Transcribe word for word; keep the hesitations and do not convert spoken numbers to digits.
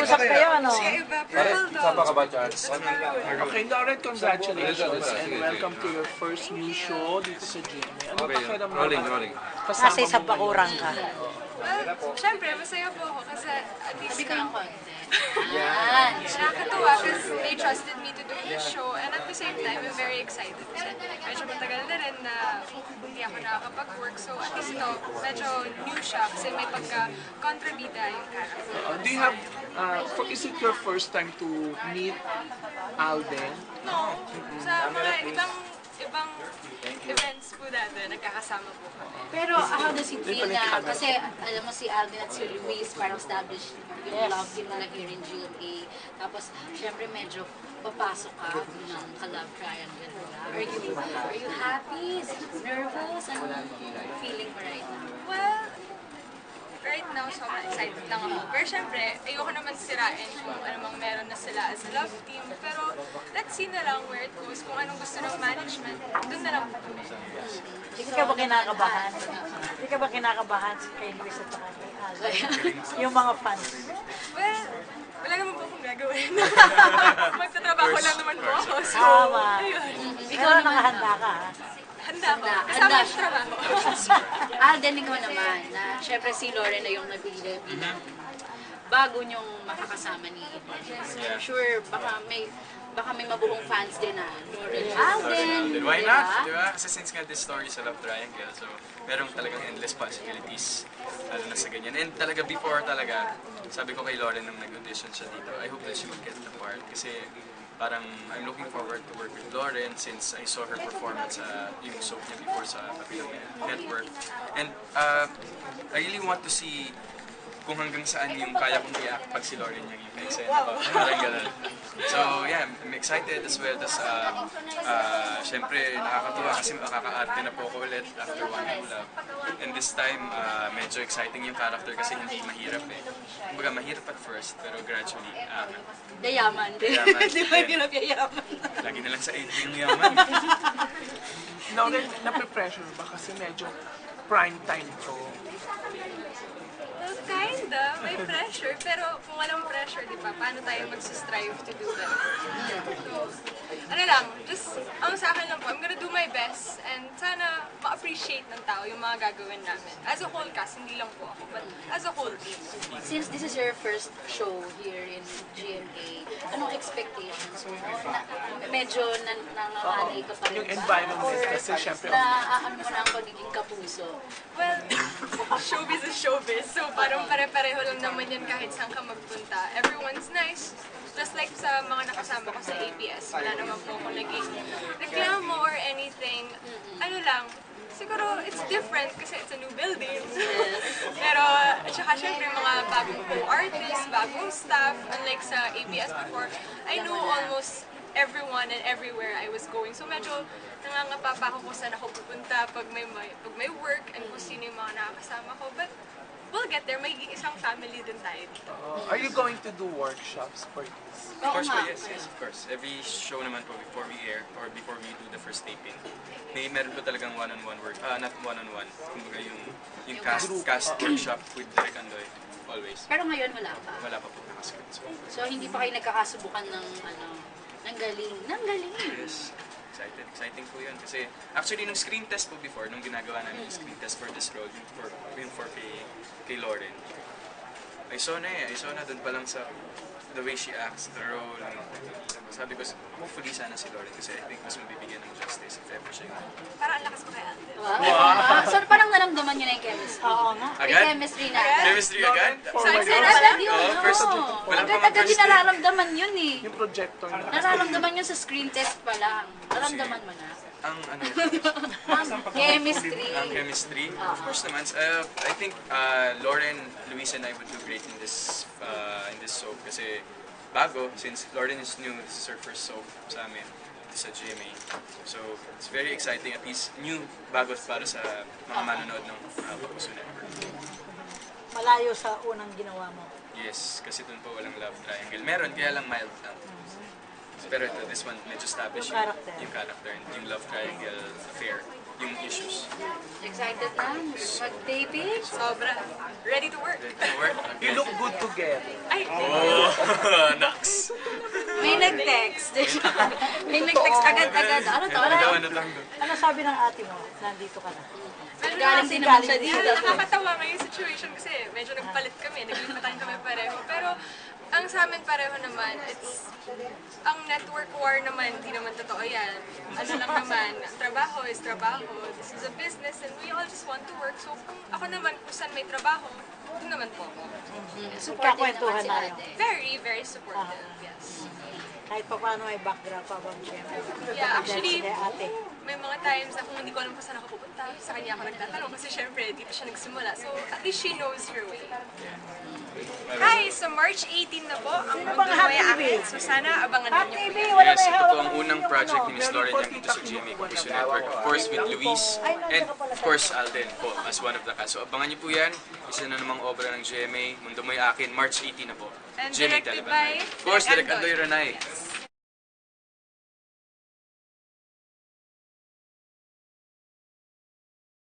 Nag-usap kayo, ano? Iba, pero hold on. Sama ka ba, Chad? Okay, Lauren, congratulations and welcome to your first new show dito sa G M A. Ano pakiramdam? Rolling, rolling. Nasa isang bakurang ka. Well, syempre, masaya po ako kasi at least Sabi ko ng konti. nakakatuwa kasi they trusted me to do this show and at the same time, I'm very excited kasi medyo matagal na rin na hindi ako nakakapag-work so at least ito, medyo new siya kasi may pagka-kontrabida yung character. Uh, do you have, uh, for, is it your first time to meet Alden? No, sa mga ibang ibang events po dati, nagkakasama po kami. Pero how does it feel na, kasi alam mo si Alden at si Luis parang established yung love team nila here in G M A. Tapos, syempre medyo papasok ka ng ka-love triangle nila. Are you, are you happy? Nervous? Ano feeling mo right now? Well, right now, sobrang excited lang ako. Pero syempre, ayoko naman sirain kung ano mang meron na sila as a love team. Pero let's see na lang where it goes. Kung anong gusto ng management, dun na lang po kami. Hindi ka ba kinakabahan? Hindi ka ba kinakabahan kay Luis at saka kay Alden? Yung mga fans. Well, wala naman po akong gagawin. Magtatrabaho lang naman po ako. So, Tama. ayun. Ikaw na nakahanda ka, ha? Handa ko. Kasama yung trabaho. Alden, ikaw naman, na syempre si Lauren na yung nabili bilang bago niyong makakasama ni Eden. I'm sure baka may baka may mabuong fans din na Lauren Alden. Why diba? not? Diba? Kasi since nga this story is a love triangle, so merong talagang endless possibilities lalo na sa ganyan. And talaga before talaga, sabi ko kay Lauren nung nag-audition siya dito, I hope that she will get the part. Kasi parang I'm looking forward to work with Lauren since I saw her performance sa yung soap niya before sa Papilong Network. And uh, I really want to see kung hanggang saan yung kaya kong i-act pag si Lauren yung i-eksena ba. Parang ganun. So yeah, I'm excited as well. Tapos uh, uh, syempre nakakatuwa kasi makaka-arte na po ako ulit after One True Love. And this time, uh, medyo exciting yung character kasi hindi mahirap eh. Kumbaga mahirap at first, pero gradually, uh, Dayaman din. Dayaman. Di ba hirap yayaman? lagi na lang sa Adrian yaman. Now, nape-pressure ba kasi medyo prime time to? Well, kinda. May pressure. Pero kung walang pressure, di ba, paano tayo magsistrive to do that? So, ano lang, just, ang sa akin lang po, I'm gonna do my best and sana ma-appreciate ng tao yung mga gagawin namin. As a whole cast, hindi lang po ako, but as a whole team. Since this is your first show here in G M A, anong expectations mo? Na, medyo nan nanganganay ka pa rin Yung ba? environment Or kasi syempre, na ano mo na ang pagiging kapuso? Well, showbiz is showbiz. So parang pare-pareho lang naman yan kahit saan ka magpunta. Everyone's nice. Just like sa mga nakasama ko sa A P S, wala naman po ako naging reklamo or anything. Ano lang, siguro it's different kasi it's a new building. Pero, at saka syempre mga bagong co-artists, bagong staff, unlike sa A P S before, I know almost everyone and everywhere I was going. So medyo nangangapa pa ako kung saan ako pupunta pag may, may, pag may work and kung sino yung mga nakakasama ko. But we'll get there. May isang family din tayo dito. uh, are you going to do workshops for this? Of course po, yes, yes, of course. Every show naman po before we air or before we do the first taping, may meron po talagang one-on-one work, ah, not one-on-one, kumbaga yung, yung cast, cast workshop with Direk Andoy, always. Pero ngayon wala pa. Wala pa po nakascript. So, So hindi pa kayo nagkakasubukan ng ano, ng galing. Ng galing! yes, excited, exciting po yun. Kasi actually nung screen test po before, nung ginagawa namin yung screen test for this role, yung for, yung for kay, kay Lauren, I saw na eh, I saw na dun pa lang sa the way she acts, the role. Sabi ko, hopefully sana si Lauren kasi I think mas mabibigyan ng justice if ever siya. Parang ang lakas ko kay Alden. Wow! So parang naramdaman nyo na yung chemistry. Oo nga. May Agad? chemistry na agad. Chemistry agad? So excited Agad siya. yun, Oo, no? first- wala pa mga Agad-agad first din nararamdaman yun eh. Yung projector na. Nararamdaman yun sa screen test pa lang. Nararamdaman mo na. Ang ano, Ang chemistry. ang chemistry, of course naman. Uh, I think uh, Lauren, Luis, and I would do great in this uh, in this soap kasi bago, since Lauren is new, this is her first soap sa amin, dito sa G M A. So, it's very exciting, at least new bago para sa mga manonood ng uh, Papuso Network. Malayo sa unang ginawa mo. Yes, kasi dun po walang love triangle. Meron, kaya lang mild lang. Pero ito, this one, medyo established Yung yung, character. yung character and yung love triangle affair, yung issues. Excited na mag-taping? Sobra. Ready to work. Ready to work? You look good together. Ay, thank you. Nax. May nag-text. May nag-text agad-agad. Ano to? Ano Ano? daw, ano lang. Ano sabi ng ate mo? Nandito ka na. Galing din naman siya dito. Nakakatawa nga yung situation kasi medyo nagpalit kami, naglipatan kami pareho. Pero ang sa amin pareho naman, it's, ang network war naman, hindi naman totoo yan. Ano lang naman, trabaho is trabaho. This is a business and we all just want to work. So kung ako naman, kung saan may trabaho, doon naman po ako. Supportive naman si na ate. Very, very supportive, yes. Kahit pa paano may background pa bang siyempre. Yeah, actually, Dahil si ate. may mga times na kung hindi ko alam kung saan ako pupunta, sa kanya ako nagtatanong kasi syempre dito siya nagsimula. So at least she knows her way. Hi! So March eighteen na po ang bang Mundo Hot Moya T V? Akin. So sana abangan Hot ninyo T po V, yan. wala Yes, may ito hawak po ang na unang yung project ano. ni Miss Lauren Yang dito sa G M A Kapuso Network. Of course, with Luis and of course Alden po as one of the cast. So abangan niyo po yan. Isa na namang obra ng G M A, Mundo Mo'y Akin, March eighteen na po. And G M A directed Teleban. by Of course, Direk Direk Andoy Andoy. Ranay.